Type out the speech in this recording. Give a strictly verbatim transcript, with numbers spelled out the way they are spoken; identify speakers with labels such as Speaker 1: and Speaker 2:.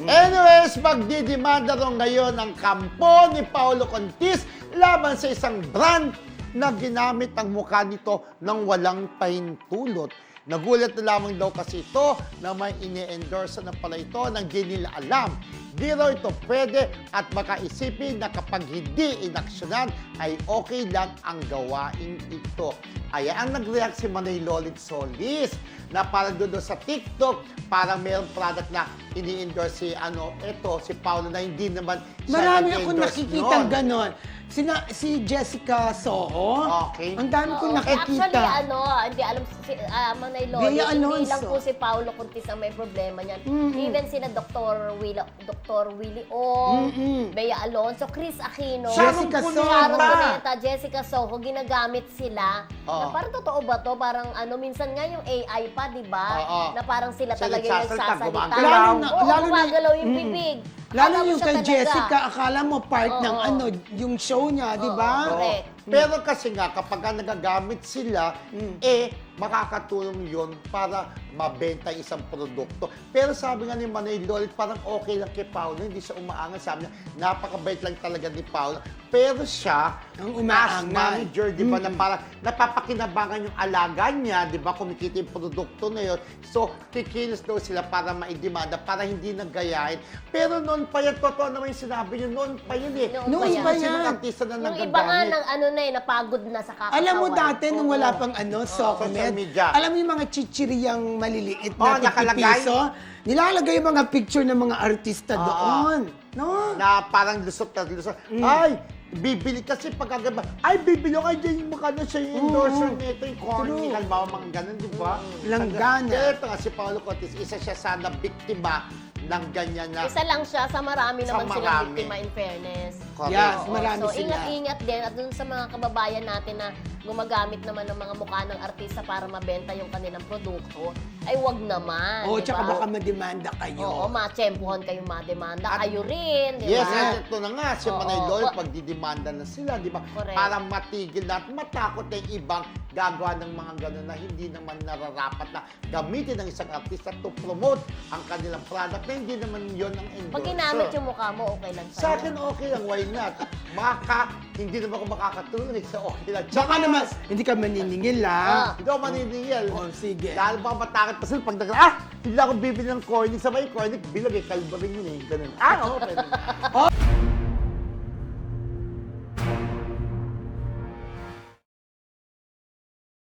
Speaker 1: Anyways, magdidemanda rin ngayon ang kampo ni Paolo Contis laban sa isang brand na ginamit ang mukha nito ng walang pahintulot. Nagulat na lamang daw kasi ito na may ini-endorse na pala ito nang di nila alam. Di raw ito pwede at makaisipin na kapag hindi inaksyonan ay okay lang ang gawain ito. Ay ang nag-react si Manay Lolit Solis na parang doon sa TikTok, parang mayroong product na ini-endorse si ano, ito, si Paolo na hindi naman siya
Speaker 2: Marami akong
Speaker 1: nag-endorse
Speaker 2: nakikita
Speaker 1: nun.
Speaker 2: ganon. Sina, si Jessica Soho.
Speaker 1: Okay.
Speaker 2: Ang dami kong
Speaker 3: Oo.
Speaker 2: nakikita.
Speaker 3: Actually, ano, hindi alam si uh, Manay Lolo,
Speaker 2: Bea
Speaker 3: hindi
Speaker 2: Alonso.
Speaker 3: lang po si Paolo Contis ang may problema niyan.
Speaker 2: Mm-mm.
Speaker 3: Even sina Doctor Willie, Doctor Willie Ong,
Speaker 2: Mm-mm.
Speaker 3: Bea Alonso, Chris Aquino,
Speaker 2: Jessica
Speaker 1: Sharon
Speaker 2: Soho.
Speaker 3: Sharon
Speaker 1: Cuneta.
Speaker 3: Cuneta, Jessica Soho, ginagamit sila.
Speaker 1: Oo.
Speaker 3: Na parang totoo ba to? Parang ano, minsan nga yung A I pa, di ba?
Speaker 1: Oo.
Speaker 3: Na parang sila
Speaker 1: Sila
Speaker 3: talaga yung
Speaker 1: nagsasalita,
Speaker 3: nagsasalita.
Speaker 1: gumagalaw.
Speaker 2: Lalo na-
Speaker 3: Oo,
Speaker 2: lalo na-
Speaker 3: gumagalaw yung
Speaker 2: Mm.
Speaker 3: bibig.
Speaker 2: Lalo
Speaker 3: Akala mo
Speaker 2: yung
Speaker 3: siya
Speaker 2: kay
Speaker 3: talaga.
Speaker 2: Jessica, akala mo part ng
Speaker 3: Oo.
Speaker 2: ano, yung show niya, di ba?
Speaker 3: Oo. Correct.
Speaker 1: Pero kasi nga, kapag nga nagagamit sila, eh, makakatulong yon para mabenta yung isang produkto. Pero sabi nga ni Manay Lolit, parang okay lang kay Paolo, hindi siya umaangat. Sabi niya, napakabait lang talaga ni Paolo. Pero siya,
Speaker 2: Ang
Speaker 1: as
Speaker 2: umaangat.
Speaker 1: manager, di ba, na parang napapakinabangan yung alaga niya, di ba, kumikita yung produkto na yun. So, kikilos daw sila para maidemanda, para hindi nagayahin. Pero noon pa yan, totoo naman yung sinabi niyo, noon pa yun eh.
Speaker 3: Noon
Speaker 2: Noon
Speaker 3: pa
Speaker 2: pa
Speaker 3: yan.
Speaker 1: Sino
Speaker 2: yan.
Speaker 1: artista na
Speaker 3: Yung
Speaker 1: nagagamit?
Speaker 3: iba nga ng ano na eh, napagod na sa kakakawan.
Speaker 2: Alam mo dati, nung
Speaker 3: Oo.
Speaker 2: wala pang ano,
Speaker 1: social
Speaker 2: Socomed,
Speaker 1: media.
Speaker 2: alam mo yung mga chichiriyang maliliit
Speaker 1: Oh,
Speaker 2: na
Speaker 1: nakalagay.
Speaker 2: piso, nilalagay yung mga picture ng mga artista
Speaker 1: Oo.
Speaker 2: doon. No?
Speaker 1: Na parang lusot na lusot. Ay, bibili kasi pagkagaba. Ay, bibili ko. Ay, dyan yung mukha na siya yung endorser
Speaker 2: Oo.
Speaker 1: nito. Yung corny,
Speaker 2: True.
Speaker 1: halimbawa mga ganun, di ba?
Speaker 2: Langgana.
Speaker 1: Kaya ito nga, si Paolo Contis, isa siya sana biktima ng ganyan na...
Speaker 3: Isa lang siya, sa marami
Speaker 1: Sa
Speaker 3: naman silang
Speaker 1: marami.
Speaker 3: biktima in fairness.
Speaker 1: Correct.
Speaker 2: Yes,
Speaker 3: Oo,
Speaker 2: marami
Speaker 3: so,
Speaker 2: sila.
Speaker 3: ingat-ingat din at dun sa mga kababayan natin na gumagamit naman ng mga mukha ng artista para mabenta yung kanilang produkto, ay wag naman.
Speaker 2: Oo,
Speaker 3: di
Speaker 2: tsaka
Speaker 3: ba?
Speaker 2: baka mademanda kayo.
Speaker 3: Oo, matsyempohan kayong mademanda.
Speaker 1: At-
Speaker 3: Kayo rin, di
Speaker 1: Yes,
Speaker 3: ba?
Speaker 1: at ito na nga, si
Speaker 3: Oo.
Speaker 1: Manay Lolit,
Speaker 3: Wa-
Speaker 1: pag didemanda na sila, di ba?
Speaker 3: Correct.
Speaker 1: Para matigil na at matakot na yung ibang gagawa ng mga gano'n na hindi naman nararapat na gamitin ng isang artista to promote ang kanilang product na hindi naman yon ang endorser.
Speaker 3: Pag ginamit yung mukha mo, okay lang sa'yo.
Speaker 1: Sa akin, okay lang. Why not? Maka, hindi naman ako makakatulong. Eh, so okay lang.
Speaker 2: Baka naman, hindi ka maniningil
Speaker 3: Ah.
Speaker 2: ah.
Speaker 1: Hindi ako maniningil.
Speaker 2: Oh, sige.
Speaker 1: Dahil baka matakot pa sila pag nag- ah, hindi ako bibili ng cornic. Sabay, cornic, bilag eh. Kalba rin yun eh. Ganun. Ah, oo, pwede.